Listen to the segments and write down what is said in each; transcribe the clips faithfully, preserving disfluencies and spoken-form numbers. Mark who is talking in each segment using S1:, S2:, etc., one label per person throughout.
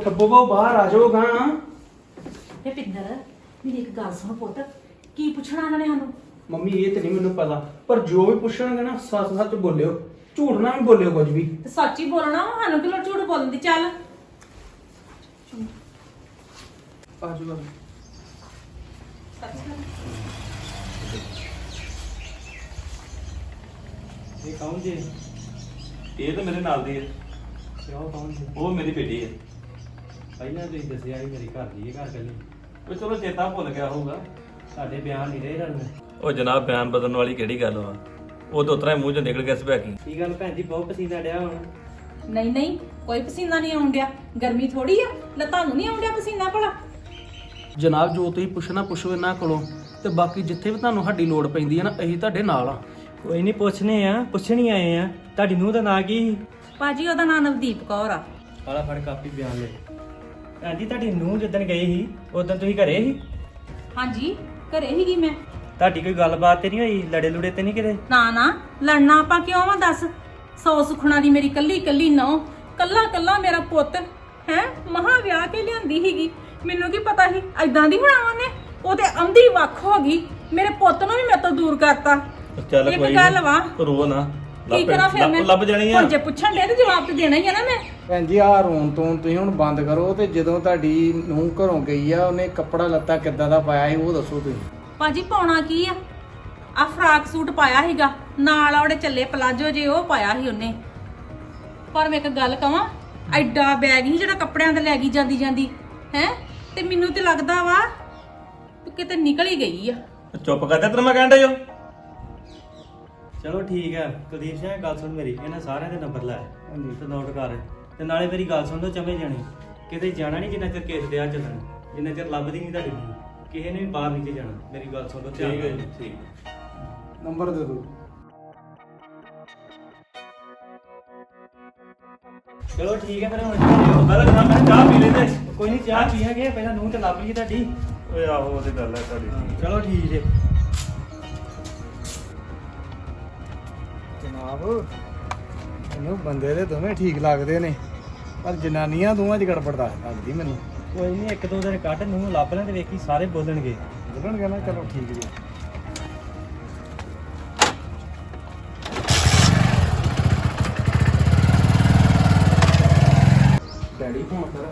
S1: ਠੱਬੋ ਬਾਹਰ ਆ ਜਾਓ ਗਾ।
S2: ਵੇ ਪਿੰਦਰ ਮੇਰੀ ਇੱਕ ਗੱਲ ਸੁਣ ਪੁੱਤ, ਕੀ ਪੁੱਛਣਾ ਉਹਨਾਂ ਨੇ ਸਾਨੂੰ?
S1: ਮੰਮੀ ਇਹ ਤੇ ਨਹੀਂ ਮੈਨੂੰ ਪਤਾ, ਪਰ ਜੋ ਵੀ ਪੁੱਛਣਗੇ ਨਾ ਸੱਚ ਸੱਚ ਬੋਲਿਓ, ਝੂਠ ਨਾ ਵੀ ਬੋਲਿਓ ਕੁਝ ਵੀ।
S2: ਤੇ ਸੱਚ ਹੀ ਬੋਲਣਾ ਵਾ, ਸਾਨੂੰ ਕਿਉਂ ਝੂਠ ਬੋਲਣ ਦੀ? ਚੱਲ
S1: ਆ ਜਾਓ।
S3: ਇਹ ਕੌਣ ਜੀ?
S4: ਇਹ ਤਾਂ ਮੇਰੇ ਨਾਲ ਦੀ ਹੈ।
S3: ਕਿਉਂ ਕੌਣ ਜੀ?
S4: ਉਹ ਮੇਰੀ ਬੇਟੀ ਹੈ।
S3: ਪਹਿਲਾਂ ਤੁਸੀਂ ਦੱਸਿਆ ਸੀ ਮੇਰੀ ਘਰ ਦੀ ਇਹ ਘਰ ਕੱਲੀ।
S4: ਉਹ ਚਲੋ ਚੇਤਾ ਭੁੱਲ ਗਿਆ ਹੋਊਗਾ।
S3: ਸਾਡੇ ਬਿਆਨ ਨਹੀਂ ਰਹੇ ਰਣ।
S4: ਉਹ ਜਨਾਬ ਬਿਆਨ ਬਦਲਣ ਵਾਲੀ ਕਿਹੜੀ ਗੱਲ ਵਾ? ਉਹ ਤਾਂ ਉਤਰਾ ਮੂੰਹ ਚੋਂ ਨਿਕਲ ਗਿਆ ਸਭੈਕੀ।
S3: ਕੀ ਗੱਲ ਭੈਣ ਜੀ, ਬਹੁਤ ਪਸੀਨਾ ਡਿਆ ਹੁਣ।
S2: ਨਹੀਂ ਨਹੀਂ, ਕੋਈ ਪਸੀਨਾ ਨਹੀਂ ਆਉਣ ਡਿਆ। ਗਰਮੀ ਥੋੜੀ ਆ, ਲੈ ਤੁਹਾਨੂੰ ਨਹੀਂ ਆਉਣ ਡਿਆ ਪਸੀਨਾ ਭਲਾ?
S1: ਜਨਾਬ ਜੋ ਤੁਸੀਂ ਪੁੱਛਣਾ ਪੁੱਛੋ ਇਹਨਾਂ ਕੋਲੋਂ, ਤੇ ਬਾਕੀ ਜਿੱਥੇ ਵੀ ਤੁਹਾਨੂੰ ਸਾਡੀ ਲੋੜ ਪੈਂਦੀ ਹੈ ਨਾ ਅਸੀਂ ਤੁਹਾਡੇ ਨਾਲ ਆ।
S3: ਕੋਈ ਨਹੀਂ, ਪੁੱਛਨੇ ਆ, ਪੁੱਛਣੀ ਆਏ ਆ। ਤੁਹਾਡੀ ਨੂੰਹ ਦਾ ਨਾਂ ਕੀ ਸੀ?
S2: ਭਾਜੀ ਉਹਦਾ ਨਾਮ ਨਵਦੀਪ ਕੌਰ ਆ।
S3: ਆਲਾ ਫੜ ਕਾਪੀ ਬਿਆਨ ਲੈ। ਭੈਣ ਜੀ ਤੁਹਾਡੀ ਨੂੰਹ ਜਿੱਦਣ ਗਈ ਸੀ ਉਦੋਂ ਤੁਸੀਂ ਘਰੇ ਸੀ?
S2: ਹਾਂਜੀ ਘਰੇ ਹੀਗੀ ਮੈਂ।
S3: ਤੁਹਾਡੀ ਕੋਈ ਗੱਲਬਾਤ ਤੇ ਨਹੀਂ ਹੋਈ? ਲੜੇ ਲੁੜੇ ਤੇ ਨਹੀਂ ਕਿਤੇ?
S2: ਨਾ ਨਾ, ਲੜਨਾ ਆਪਾਂ ਕਿਉਂ ਵਾ ਦੱਸ? ਸੌ ਸੁਖਣਾ ਦੀ ਮੇਰੀ ਕੱਲੀ ਕੱਲੀ ਨੌ, ਕੱਲਾ ਕੱਲਾ ਮੇਰਾ ਪੁੱਤ ਹੈ। ਮਹਾ ਵਿਆਹ ਕੇ ਲਿਆਂਦੀ ਹੀਗੀ, ਮੈਨੂੰ ਕੀ ਪਤਾ ਸੀ ਐਦਾਂ ਦੀ ਹੋਣਾ ਉਹਨੇ। ਉਹ ਤੇ ਆਂਦੀ ਵੱਖ ਹੋ ਗਈ, ਮੇਰੇ ਪੁੱਤ ਨੂੰ ਵੀ ਮੇਰੇ ਤੋਂ ਦੂਰ ਕਰਤਾ।
S4: ਚੱਲ
S2: ਇੱਕ
S4: ਕੋਈ
S2: ਗੱਲ ਵਾ,
S4: ਰੋ ਨਾ।
S2: ਕੀ ਕਰਾਂ ਫਿਰ ਮੈਂ?
S4: ਲੱਭ ਜਾਣੀ ਆ।
S2: ਹੁਣ ਜੇ ਪੁੱਛਣ ਦੇ ਤੇ ਜਵਾਬ ਤੇ ਦੇਣਾ ਹੀ ਆ ਨਾ ਮੈਂ।
S5: ਭੈਣ ਜੀ ਆਹ ਰੋਣ ਤੋਂ ਤੁਸੀਂ ਹੁਣ ਬੰਦ ਕਰੋ, ਤੇ ਜਦੋਂ ਤੁਹਾਡੀ ਨੂੰਹ ਘਰੋਂ ਗਈ ਆ ਉਹਨੇ ਕੱਪੜਾ ਲੱਤਾ ਕਿੱਦਾਂ ਦਾ ਪਾਇਆ ਸੀ ਉਹ ਦੱਸੋ ਤੁਸੀਂ।
S2: ਭਾਜੀ ਪਾਉਣਾ ਕੀ ਆ? ਆ ਫਰਾਕ ਸੂਟ ਪਾਇਆ ਸੀਗਾ, ਨਾਲ ਆਉੜੇ ਚੱਲੇ ਪਲਾਜੋ ਜੇ ਉਹ ਪਾਇਆ ਸੀ ਉਹਨੇ। ਪਰ ਮੈਂ ਇੱਕ ਗੱਲ ਕਵਾਂ, ਐਡਾ ਬੈਗ ਹੀ ਜਿਹੜਾ ਕੱਪੜਿਆਂ ਤੇ ਲੈ ਗਈ ਜਾਂਦੀ ਜਾਂਦੀ ਹੈ। ਤੇ ਮੈਨੂੰ ਤੇ ਲੱਗਦਾ ਵਾ ਤੂੰ ਕਿਤੇ ਨਿਕਲ ਹੀ ਗਈ ਆ।
S4: ਚੁੱਪ ਕਰ ਜਾ, ਤੈਨੂੰ ਮੈਂ ਕਹਿੰਦਾ ਜੋ।
S3: ਚਲੋ ਠੀਕ ਹੈ ਕੁਲਦੀਪ ਸਿੰਘ, ਗੱਲ ਸੁਣ ਮੇਰੀ। ਇਹਨਾਂ ਸਾਰਿਆਂ ਦੇ ਨੰਬਰ ਲੈ
S5: ਹਾਂਜੀ।
S3: ਤੇ ਨੋਟ ਕਰ। ਤੇ ਨਾਲੇ ਮੇਰੀ ਗੱਲ ਸੁਣ ਲਓ, ਚਮੇ ਜਾਣੇ ਕਿਤੇ ਜਾਣਾ ਨਹੀਂ ਜਿੰਨਾ ਚਿਰ ਕੇਸ ਦਿਆ ਚੱਲਣ, ਜਿੰਨਾ ਚਿਰ ਲੱਭਦੀ ਨਹੀਂ ਤੁਹਾਡੀ ਨੂੰਹ। ਕਿਸੇ ਨੇ ਵੀ ਬਾਹਰ ਨਹੀਂ ਜਾਣਾ। ਮੇਰੀ ਗੱਲ ਸੁਣ ਲਓ, ਧਿਆਨ
S4: ਠੀਕ ਹੈ
S3: ਨਾਲ।
S4: ਜੀ, ਠੀਕ।
S5: ਨੰਬਰ ਦੇ ਦਿਓ।
S3: ਚਲੋ ਠੀਕ ਹੈ ਫਿਰ ਹੁਣ ਚੱਲੀਏ।
S4: ਪਹਿਲਾਂ ਜਨਾਬ ਮੈਂ ਚਾਹ ਪੀ ਲੈਂਦੇ।
S3: ਕੋਈ ਨਹੀਂ, ਚਾਹ ਪੀਾਂਗੇ, ਪਹਿਲਾਂ ਨੂੰਹ ਤੇ ਲੱਭ ਲਈਏ ਤੁਹਾਡੀ।
S4: ਓਏ ਆਹੋ ਉਹਦੀ ਗੱਲ ਹੈ ਤੁਹਾਡੀ।
S3: ਚਲੋ ਠੀਕ ਜੇ।
S5: ਜਨਾਬ ਮੈਨੂੰ ਬੰਦੇ ਦੇ ਦੋਵੇਂ ਠੀਕ ਲੱਗਦੇ ਨੇ, ਪਰ ਜਨਾਨੀਆਂ ਦੋਵਾਂ 'ਚ ਗੜਬੜ ਦਾ ਲੱਗਦੀ ਮੈਨੂੰ।
S3: ਕੋਈ ਨਹੀਂ, ਇੱਕ ਦੋ ਦਿਨ ਕੱਢ, ਨੂੰਹ ਲੱਭ ਲੈ ਤੇ ਵੇਖੀ ਸਾਰੇ ਬੋਲਣਗੇ।
S5: ਬੋਲਣਗੇ ਨਾ, ਚਲੋ ਠੀਕ ਜੀ।
S1: ਡੈਡੀ ਹੁਣ ਫਿਰ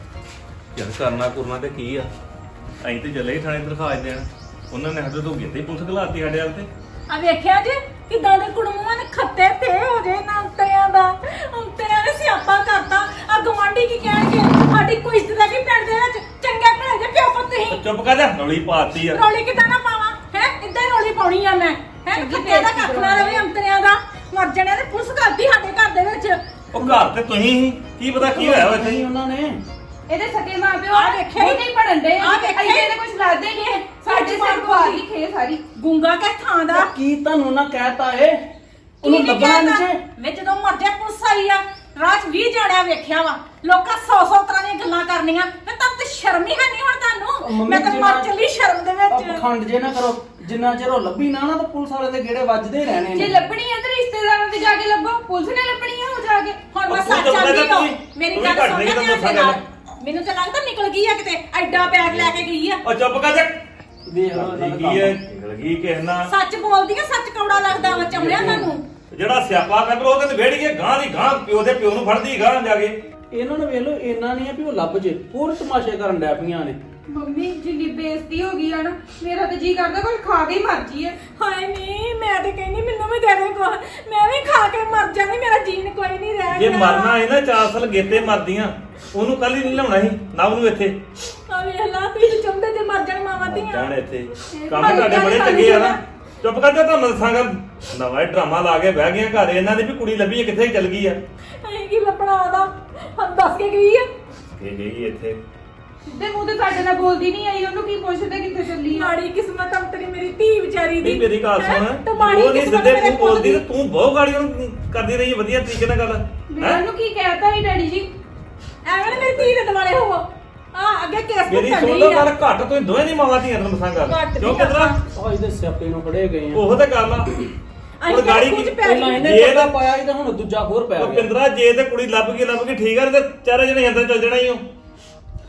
S4: ਯਾਰ ਕਰਨਾ ਕੁਰਨਾ ਤੇ ਕੀ ਆ? ਅਸੀਂ ਤੇ ਚੱਲੇ ਹੀ ਥਾਣੇ ਦਰਖਾਸਤ ਦੇਣ। ਉਹਨਾਂ ਨੇ ਸਾਡੇ ਤੋਂ ਗਿੱਤੇ ਪੁਲਿਸ ਘਲਾਤੀ ਸਾਡੇ ਵੱਲ ਤੇ।
S2: ਆ ਵੇਖਿਆ ਜੇ ਕਿਦਾਂ ਦੇ ਕੁੜਮੂਆਂ ਨੇ ਖੱਤੇ ਤੇ ਹੋ ਜੇ ਨਾ ਅੰਤਿਆਂ ਦਾ। ਅੰਤਿਆਂ ਨੇ ਸਿਆਪਾ ਕਰਤਾ। ਆ ਗਵਾਂਢੀ ਕੀ ਕਹਿਣਗੇ? ਸਾਡੀ ਕੋਈ ਇੱਜ਼ਤ ਦਾ ਕੀ ਪਿੰਡ ਦੇ ਵਿੱਚ? ਚੰਗਾ ਭਲੇ ਜੇ ਪਿਓ ਪੁੱਤ ਹੀ।
S4: ਚੁੱਪ ਕਰ ਜਾ, ਰੌਲੀ ਪਾਤੀ ਆ।
S2: ਰੌਲੀ ਕਿਦਾਂ ਨਾ ਪਾਵਾਂ ਹੈ? ਇੱਦਾਂ ਹੀ ਰੌਲੀ ਪਾਉਣੀ ਆ ਮੈਂ ਹੈ। ਖੱਤੇ ਦਾ ਕੱਖ ਨਾ ਰਵੇ ਅੰਤਰਿਆਂ ਦਾ। ਮਰ ਜਾਣੇ ਨੇ ਪੁਲਿਸ ਕਰਦੀ ਸਾਡੇ ਘਰ ਦੇ ਵਿੱਚ।
S4: ਉਹ ਘਰ ਤੇ ਤੁਸੀਂ ਹੀ, ਕੀ ਪਤਾ ਕੀ ਹੋਇਆ ਵਾ ਇੱਥੇ।
S1: ਨਹੀਂ ਉਹਨਾਂ ਨੇ
S6: ਇਹਦੇ ਸਕੇ ਮਾਂ ਪਿਓ
S2: ਆਹ ਵੇਖਿਆ ਹੀ-
S6: ਉਹ ਨਹੀਂ ਪੜਨ ਦੇ।
S2: ਆਹ ਵੇਖਿਆ ਹੀ-
S6: ਇਹਦੇ ਕੁਝ ਲਾਦੇ ਨਹੀਂ ਹੈ। ਸਾਡੇ ਸਿਰ ਖਵਾ ਲਈ ਖੇ ਸਾਰੀ।
S2: ਗੁੰਗਾ ਕਹਿ ਥਾਂ ਦਾ।
S1: ਉਹ ਕੀ ਤੁਹਾਨੂੰ ਨਾ ਕਹਿਤਾ ਏ? ਉਹਨੂੰ
S2: ਕੀ ਨੀ
S1: ਲੱਭਣਾ ਨਹੀਂ
S2: ਕਹਿਤਾ?
S1: ਜੇ।
S2: ਵੇ ਜਦੋਂ ਮਰ ਜਾ ਪੁਲਿਸ ਆਈ ਆ, ਰਾਤ ਵੀਹ ਜਾਣਿਆ ਵੇਖਿਆ ਵਾ। ਲੋਕਾਂ ਸੌ ਸੌ ਤਰ੍ਹਾਂ ਦੀਆਂ ਗੱਲਾਂ ਕਰਨੀਆਂ। ਮੈਂ ਤਾਂ ਤੇ ਸ਼ਰਮ ਹੀ ਹੈ ਨਹੀਂ ਹੁਣ
S1: ਉਹ
S2: ਤੁਹਾਨੂੰ।
S1: ਮੰਮੀ
S2: ਮੈਂ ਤਾਂ ਮਰ
S1: ਜਿਹੜਾ-
S2: ਚੱਲੀ ਸ਼ਰਮ ਦੇ
S1: ਆਹ
S2: ਵਿੱਚ।
S1: ਪਖੰਡ ਜੇ ਨਾ ਕਰੋ, ਜਿੰਨਾ ਚਿਰ ਉਹ ਲੱਭੀ ਨਾ ਨਾ ਤਾਂ ਪੁਲਿਸ ਵਾਲੇ ਦੇ ਗੇੜੇ ਵੱਜਦੇ ਹੀ ਰਹਿਣੇ
S6: ਜੇ
S1: ਨੇ।
S6: ਲੱਭਣੀ ਹੈ ਤੇ ਰਿਸ਼ਤੇਦਾਰਾਂ ਦੇ ਜਾ ਕੇ ਲੱਭੋ। ਪੁਲਿਸ ਨੇ ਲੱਭਣੀ ਹੈ ਉਹ ਜਾ ਕੇ।
S2: ਹੁਣ ਮੈਂ
S4: ਉਹ ਤੂੰ
S2: ਸੱਚ
S4: ਤਾਂ
S2: ਆਂਦੀ
S4: ਪਤਾ
S2: ਹਾਂ।
S4: ਤੂੰ-
S2: ਮੇਰੀ
S4: ਤੂੰ
S2: ਗੱਲ
S4: ਵੀ ਘੱਟ
S2: ਸੁਣ
S4: ਨਹੀਂ
S2: ਲੈ
S4: ਤਾਂ
S2: ਧਿਆਨ
S4: ਦੱਸਾਂ
S2: ਦੇ ਨਾਲ।
S4: ਗੱਲ।
S2: ਮੈਨੂੰ ਤਾਂ ਲੱਗਦਾ ਨਿਕਲ ਗਈ ਆ ਕਿਤੇ। ਐਡਾ ਬੈਗ ਲੈ ਕੇ ਗਈ ਆ।
S4: ਉਹ ਚੁੱਪ ਕਰ ਜਾ।
S1: ਦੇਖ ਲਓ ਇਹਨਾਂ ਦਾ
S4: ਕੀ ਹੈ?
S1: ਕੰਮ।
S4: ਨਿਕਲ ਗਈ ਕਿਸ ਨਾਲ।
S2: ਸੱਚ ਬੋਲਦੀ ਆ, ਸੱਚ ਕੌੜਾ ਲੱਗਦਾ ਵਾ ਚਮੜਿਆ ਤੁਹਾਨੂੰ।
S4: ਜਿਹੜਾ ਸਿਆਪਾ ਕਰ ਉਹ ਤੇ ਵੇੜ ਕੇ ਗਾਂ ਦੀ ਗਾਂ ਪਿਓ ਦੇ ਪਿਓ ਨੂੰ ਫੜਦੀ ਗਾਂ ਜਾ ਕੇ।
S1: ਇਹਨਾਂ ਨੂੰ ਵੇਖ ਲਓ, ਇੰਨਾ ਨਹੀਂ ਆ ਵੀ ਉਹ ਲੱਭ ਜੇ, ਹੋਰ ਤਮਾਸ਼ੇ ਕਰਨ ਡੈ ਪਈਆਂ ਨੇ।
S6: ਮੰਮੀ ਜਿੰਨੀ ਬੇਇੱਜ਼ਤੀ ਹੋ ਗਈ ਆ ਨਾ, ਮੇਰਾ ਤੇ ਜੀ ਕਰਦਾ ਕੋਈ ਖਾ ਕੇ ਹੀ ਮਰ ਜੀਏ।
S2: ਹਾਏ ਨਹੀਂ, ਮੈਂ ਤੇ ਕਹਿੰਦੀ ਮੈਨੂੰ ਵੀ ਦੇ ਦੇ ਕੋ। ਮੈਂ ਵੀ ਖਾ ਕੇ ਮਰ ਜਾਣੀ, ਮੇਰਾ ਜੀਣ ਕੋਈ ਨਹੀਂ ਰਹਿ
S4: ਜੇ
S2: ਗਿਆ।
S4: ਮਰਨਾ ਹੈ ਨਾ ਚਾਰ ਸਾਲ ਗੇਤੇ ਮਰਦੀਆਂ। ਉਹਨੂੰ ਕੱਲ ਹੀ ਨਹੀਂ ਲਿਆਉਣਾ ਸੀ ਨਵ ਨੂੰ ਇੱਥੇ।
S2: ਆ ਵੇਖ ਲਾ, ਤੁਸੀਂ ਚਾਹੁੰਦੇ ਤੇ ਮਰ ਜਾਣ ਮਾਵਾਂ ਧੀਆਂ।
S4: ਜਾਣ ਇੱਥੇ ਕੰਮ ਤੁਹਾਡੇ ਬੜੇ ਚੰਗੇ ਆ ਨਾ। ਚੁੱਪ ਕਰ ਜਾ, ਤੁਹਾਨੂੰ ਦੱਸਾਂਗਾ। ਨਵਾਂ ਹੀ ਡਰਾਮਾ ਲਾ ਕੇ ਬਹਿ ਗਈਆਂ ਘਰ। ਇਹਨਾਂ ਦੀ ਵੀ ਕੁੜੀ ਲੱਭੀ ਹੈ, ਕਿੱਥੇ ਚਲ ਗਈ ਆ।
S2: ਅਸੀਂ ਕੀ ਲੱਭਣਾ ਉਹਦਾ? ਹਾਂ ਦੱਸ ਕੇ ਗਈ ਆ।
S4: ਇਹ ਗਈ ਇੱਥੇ।
S6: ਸਿੱਧੇ ਮੂੰਹ ਤੇ ਸਾਡੇ ਨਾਲ ਬੋਲਦੀ ਨਹੀਂ ਆਈ। ਉਹਨੂੰ ਕੀ ਪੁੱਛਦੇ ਕਿੱਥੇ ਚੱਲੀ ਆ?
S2: ਮਾੜੀ ਕਿਸਮਤ ਅੰਤਰੀ ਮੇਰੀ ਧੀ ਵਿਚਾਰੀ ਦੀ।
S4: ਨਹੀਂ ਮੇਰੀ ਗੱਲ
S2: ਹੈਂ?
S4: ਸੁਣ।
S2: ਤੇ ਮਾੜੀ
S4: ਉਹ ਨਹੀਂ
S2: ਕਿਸਮਤ
S4: ਸਿੱਧੇ
S2: ਮੇਰੇ
S4: ਤੂੰ
S2: ਪੁੱਤ
S4: ਬੋਲਦੀ
S2: ਦੀ।
S4: ਤੇ ਤੂੰ ਬਹੁਤ ਗਾੜੀ ਉਹਨੂੰ ਕਰਦੀ ਰਹੀ ਵਧੀਆ ਤਰੀਕੇ ਨਾਲ ਗੱਲ।
S6: ਮੈਂ
S4: ਹੈਂ?
S6: ਉਹਨੂੰ ਕੀ ਕਹਿਤਾ ਸੀ ਡੈਡੀ ਜੀ?
S2: ਐਵੇਂ ਨਾ ਮੇਰੀ ਧੀ ਦੇ ਦੁਆਲੇ ਹੋਵੋ। ਆ ਅੱਗੇ ਕੇਸ
S4: ਮੇਰੀ
S2: ਪੁੱਟਣ
S4: ਸੁਣ ਲਓ
S2: ਡਈ ਆ।
S4: ਗੱਲ ਘੱਟ। ਤੁਸੀਂ ਦੋਵੇਂ ਦੀ ਮਾਵਾਂ ਧੀਆਂ ਤੈਨੂੰ ਦੱਸਾਂ ਗੱਲ।
S2: ਘੱਟ
S4: ਕਿਉਂ
S2: ਨੀ
S4: ਪਤਲਾ?
S1: ਉਹ ਇਹਦੇ ਸਿਆਪੇ ਨੂੰ ਫੜੇ ਗਏ ਆ।
S4: ਉਹ ਤੇ ਗੱਲ ਆ।
S2: ਅਸੀਂ
S4: ਹੁਣ ਗਾੜੀ
S2: ਕੁਝ
S4: ਕੀ
S2: ਪੈ
S1: ਪਹਿਲਾਂ
S2: ਗਈ।
S1: ਇਹਨੇ
S4: ਜੇ
S1: ਪੱਕਾ
S4: ਤਾਂ-
S1: ਪਾਇਆ ਸੀ ਤਾਂ ਹੁਣ ਦੂਜਾ ਹੋਰ ਪੈ
S4: ਉਹ
S1: ਗਿਆ।
S4: ਪਿੰਦਰਾ ਜੇ ਤੇ ਕੁੜੀ ਲੱਭ ਗਈ ਲੱਭ ਗਈ ਠੀਕ ਆ, ਤੇ ਚਾਰੇ ਜਣੇ ਅੰਦਰ ਚੱਲ ਜਾਣਾ ਹੀ ਉਹ।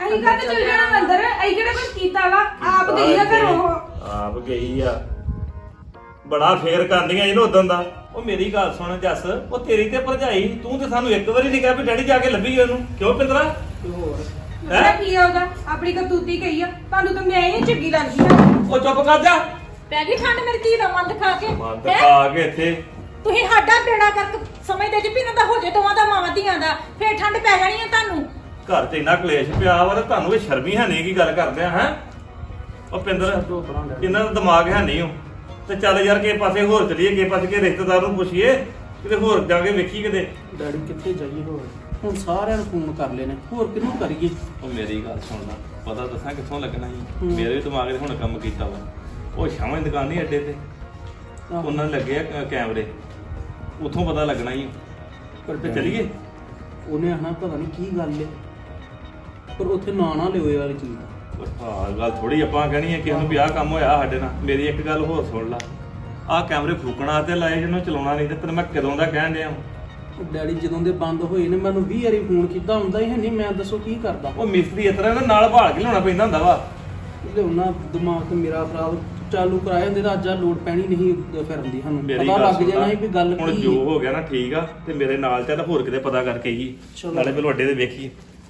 S6: ਅਸੀਂ ਕਦ ਚਲ ਜਾਣਾ ਅੰਦਰ ਅਸੀਂ ਕਿਹੜਾ ਕੁਝ ਕੀਤਾ ਵਾ ਆਪ ਗਈ ਆ ਘਰੋਂ ਉਹ।
S4: ਆਪ ਗਈ ਆ ਬੜਾ ਫੇਰ ਕਰਦੀਆਂ ਇਹਨੂੰ ਉਦੋਂ ਦਾ। ਉਹ ਮੇਰੀ ਗੱਲ ਸੁਣ ਜੱਸ, ਉਹ ਤੇਰੀ ਤੇ ਭਰਜਾਈ, ਤੂੰ ਤੇ ਸਾਨੂੰ ਇੱਕ ਵਾਰੀ ਨਹੀਂ ਕਿਹਾ ਵੀ ਡੈਡੀ ਜਾ ਕੇ ਲੱਭੀ ਉਹਨੂੰ, ਕਿਉਂ ਪਿੰਦਰਾ?
S1: ਤੇ ਹੋਰ
S6: ਪਤਾ ਕੀ ਆ ਉਹਦਾ ਆਪਣੀ ਕਤੂਤੀ ਕਹੀ ਆ ਤੁਹਾਨੂੰ ਤਾਂ ਮੈਂ ਹੀ ਚੰਗੀ ਲੱਗਦੀ ਆ।
S4: ਉਹ ਚੁੱਪ ਕਰ ਜਾ।
S2: ਪੈ ਗਈ ਠੰਡ ਮੇਰੀ ਧੀ ਦਾ ਮਨ ਦਿਖਾ ਕੇ
S4: ਮਨ
S2: ਹੈਂ?
S4: ਦਿਖਾ ਕੇ ਇੱਥੇ
S2: ਤੁਸੀਂ ਸਾਡਾ ਬੇੜਾ ਕਰਕੇ ਸਮਝਦੇ ਜੀ ਵੀ ਇਹਨਾਂ ਦਾ ਹੋ ਜੇ ਦੋਵਾਂ ਦਾ ਮਾਵਾਂ ਧੀਆਂ ਦਾ, ਫੇਰ ਠੰਡ ਪੈ ਜਾਣੀ ਆ ਤੁਹਾਨੂੰ।
S4: ਘਰ 'ਚ ਇੰਨਾ ਕਲੇਸ਼ ਪਿਆ ਵਾ ਤੇ ਤੁਹਾਨੂੰ ਇਹ ਸ਼ਰਮੀ ਹੈ ਨਹੀਂ ਕੀ ਗੱਲ ਕਰਦੇ ਆ ਹੈ? ਉਹ ਪਿੰਦਰ ਇਹਨਾਂ ਦਾ ਦਿਮਾਗ ਹੈ ਨਹੀਂ ਉਹ। ਤੇ ਚੱਲ ਯਾਰ ਕਿਸੇ ਪਾਸੇ ਹੋਰ ਚਲੀਏ, ਕਿਸੇ ਪਾਸੇ ਕੇ ਰਿਸ਼ਤੇਦਾਰ ਨੂੰ ਪੁੱਛੀਏ, ਕਿਤੇ ਹੋਰ ਜਾ ਕੇ ਵੇਖੀ ਕਿਤੇ।
S1: ਡੈਡੀ ਕਿੱਥੇ ਜਾਈਏ ਹੋਰ? ਹੁਣ ਸਾਰਿਆਂ ਨੂੰ ਫੋਨ ਕਰ ਲੈਣੇ, ਹੋਰ ਕਿਹਨੂੰ ਕਰੀਏ?
S4: ਉਹ ਮੇਰੀ ਗੱਲ ਸੁਣ ਲੈ, ਪਤਾ ਦੱਸਾਂ ਕਿੱਥੋਂ ਲੱਗਣਾ ਜੀ?
S1: ਹੂੰ।
S4: ਮੇਰੇ ਵੀ ਦਿਮਾਗ 'ਚ ਹੁਣ ਕੰਮ ਕੀਤਾ ਵਾ। ਉਹ ਸ਼ਾਮਾਂ ਦੀ ਦੁਕਾਨ ਨਹੀਂ ਅੱਡੇ ਤੇ,
S1: ਆਹੋ।
S4: ਉਹਨਾਂ ਨੇ ਲੱਗੇ ਆ ਕੈਮਰੇ, ਉੱਥੋਂ ਪਤਾ ਲੱਗਣਾ ਹੀ।
S1: ਪਰ
S4: ਤੇ ਚਲੀਏ?
S1: ਉਹਨੇ ਆਣਾ ਪਤਾ ਨਹੀਂ ਕੀ ਗੱਲ ਏ, ਪਰ ਉੱਥੇ ਨਾਂ ਨਾ ਲਿਓ ਇਹ ਵਾਲੀ ਚੀਜ਼ ਦਾ।
S4: ਹਾਂ ਗੱਲ ਥੋੜੀ ਆਪਾਂ ਕਹਿਣੀ ਹੈ ਕਿਸੇ ਨੂੰ ਵੀ ਆਹ ਕੰਮ ਹੋਇਆ ਸਾਡੇ ਨਾਲ। ਮੇਰੀ ਇੱਕ ਗੱਲ ਹੋਰ ਸੁਣ ਲਾ, ਆਹ ਕੈਮਰੇ ਫੂਕਣਾ ਤੇ ਲਾਏ ਜਿਹਨੂੰ ਚਲਾਉਣਾ ਨਹੀਂ, ਤੇ ਤੈਨੂੰ ਮੈਂ ਕਦੋਂ ਦਾ ਕਹਿਣ ਡਿਆ।
S1: ਉਹ ਡੈਡੀ ਜਦੋਂ ਦੇ ਬੰਦ ਹੋਏ ਨੇ ਮੈਨੂੰ ਵੀਹ ਵਾਰੀ ਫੋਨ ਕੀਤਾ ਹੁੰਦਾ ਹੀ ਹੈ ਨਹੀਂ, ਮੈਂ ਦੱਸੋ ਕੀ ਕਰਦਾ।
S4: ਉਹ ਮਿਸਤਰੀ ਇਸ ਤਰ੍ਹਾਂ ਨਾ ਨਾਲ ਭਾਲ ਕੇ ਲਿਆਉਣਾ ਪੈਂਦਾ ਹੁੰਦਾ ਵਾ।
S1: ਲਿਆਉਣਾ ਦਿਮਾਗ ਤੇ ਮੇਰਾ ਖਰਾਬ, ਚਾਲੂ ਕਰਾਏ ਹੁੰਦੇ ਤਾਂ ਅੱਜ ਆ ਲੋਡ ਪੈਣੀ ਨਹੀਂ ਫਿਰਨ ਦੀ, ਸਾਨੂੰ
S4: ਮੇਰੀ
S1: ਪਤਾ
S4: ਗੱਲ
S1: ਲੱਗ
S4: ਸੁਣ
S1: ਜਾਣਾ
S4: ਲਾ,
S1: ਸੀ ਵੀ ਗੱਲ
S4: ਹੁਣ
S1: ਕੀ
S4: ਜੋ ਹੋ ਗਿਆ ਨਾ ਠੀਕ ਆ, ਤੇ ਮੇਰੇ ਨਾਲ ਚੱਲ ਹੋਰ ਕਿਤੇ ਪਤਾ ਕਰਕੇ ਹੀ
S1: ਚਲੋ।
S4: ਨਾਲੇ ਪਹਿਲਾਂ ਅੱਡੇ ਤੇ ਵੇਖੀਏ।